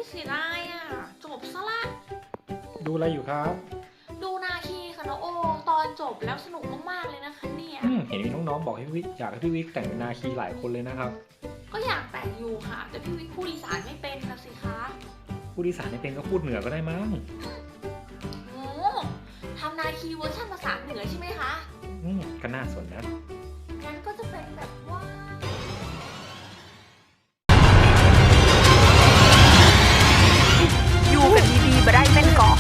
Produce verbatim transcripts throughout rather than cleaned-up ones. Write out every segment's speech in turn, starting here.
เสียดายอ่ะจบซะละดูอะไรอยู่ครับดูนาคีค่ะน้องโอตอนจบแล้วสนุกมากๆเลยนะคะเนี่ยอืมเห็นมีน้องๆบอกให้พี่วิกอยากให้พี่วิกแต่งเป็นนาคีหลายคนเลยนะครับก็อยากแต่งอยู่ค่ะแต่พี่วิกพูดอีสานไม่เป็นนะสิคะผู้ดีสารไม่เป็นก็พูดเหนือก็ได้มั้งโอ้ทำนาคีเวอร์ชันภาษาเหนือใช่ไหมคะอืมก็น่าสนนะงั้นก็จะเป็นแบบว่าอยู่กันดีๆบ่ได้แม่นก่อ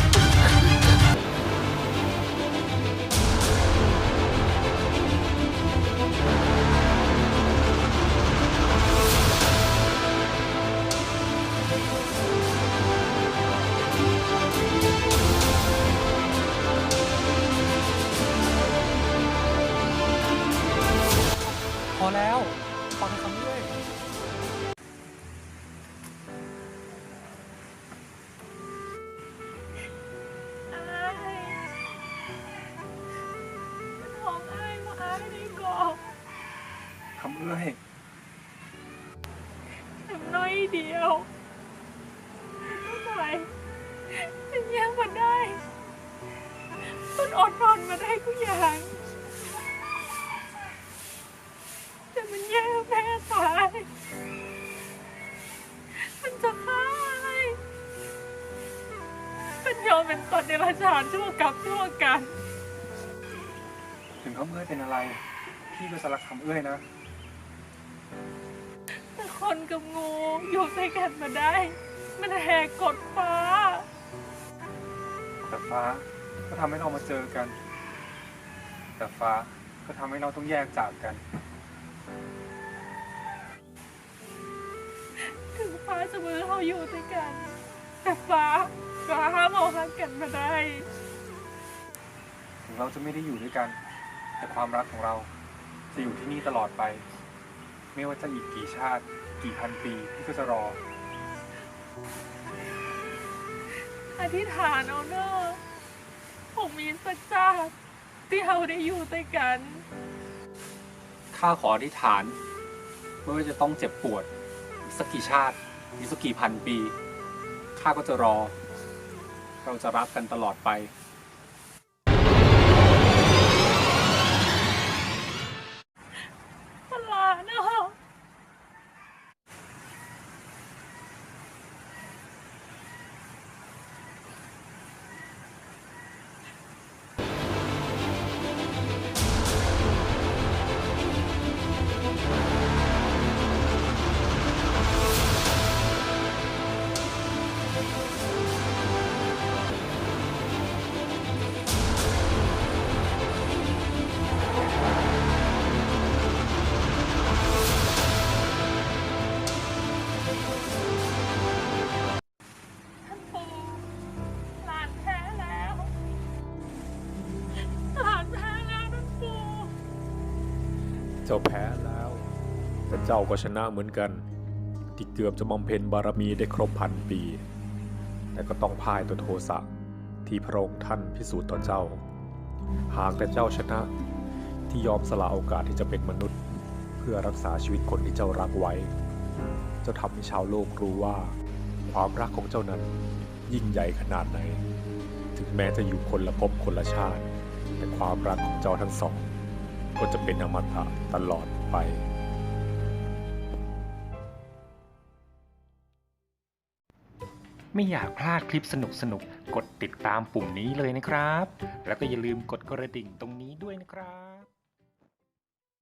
พอแล้วฟังคำด้วยของอ้ายมาอ้ายนี่ก่อคำเอ้ยทำน้อยเดียวไม่ไหวเป็นยังมาได้มันอดนอนมาได้ทุกอย่างแต่มันแย่แม่ตายมันจะฆ่าอะไรมันยอมเป็นตนในราชาชั่วกับชั่วกันถึงคำเอ้ยเป็นอะไร พี่ก็สลักคำเอ้ยนะแต่คนกับงูอยู่ด้วยกันมาได้ มันแหกกฎฟ้าแต่ฟ้าก็ทำให้เรามาเจอกัน แต่ฟ้าก็ทำให้เราต้องแยกจากกันถึงฟ้าจะมือเราอยู่ด้วยกัน แต่ฟ้าก็ห้ามเอาหักกันมาได้ถึงเราจะไม่ได้อยู่ด้วยกัน แต่ความรักของเราจะอยู่ที่นี่ตลอดไป ไม่ว่าจะอีกกี่ชาติ กี่พันปีพี่ก็จะรออธิษฐานเอาเนอะผมมีสักชาติที่เราได้อยู่ด้วยกันข้าขออธิษฐานไม่ว่าจะต้องเจ็บปวดอีกสักกี่ชาติอีกสักกี่พันปี ข้าก็จะรอ เราจะรักกันตลอดไปตลาดเนอะ ท่านปู่หลานแพ้แล้ว หลานแพ้แล้วท่านปู่เจ้าแพ้แล้ว แต่เจ้าก็ชนะเหมือนกัน ที่เกือบจะบำเพ็ญบารมีได้ครบพันปี แต่ก็ต้องพ่ายต่อโทสะที่พระองค์ท่านพิสูจน์ต่อเจ้า หากแต่เจ้าชนะที่ยอมสละโอกาสที่จะเป็นมนุษย์ เพื่อรักษาชีวิตคนที่เจ้ารักไว้ เจ้าทำให้ชาวโลกรู้ว่า ความรักของเจ้านั้นยิ่งใหญ่ขนาดไหน ถึงแม้จะอยู่คนละภพคนละชาติ แต่ความรักของเจ้าทั้งสอง ก็จะเป็นอมตะตลอดไปไม่อยากพลาดคลิปสนุกๆกดติดตามปุ่มนี้เลยนะครับแล้วก็อย่าลืมกดกระดิ่งตรงนี้ด้วยนะครับ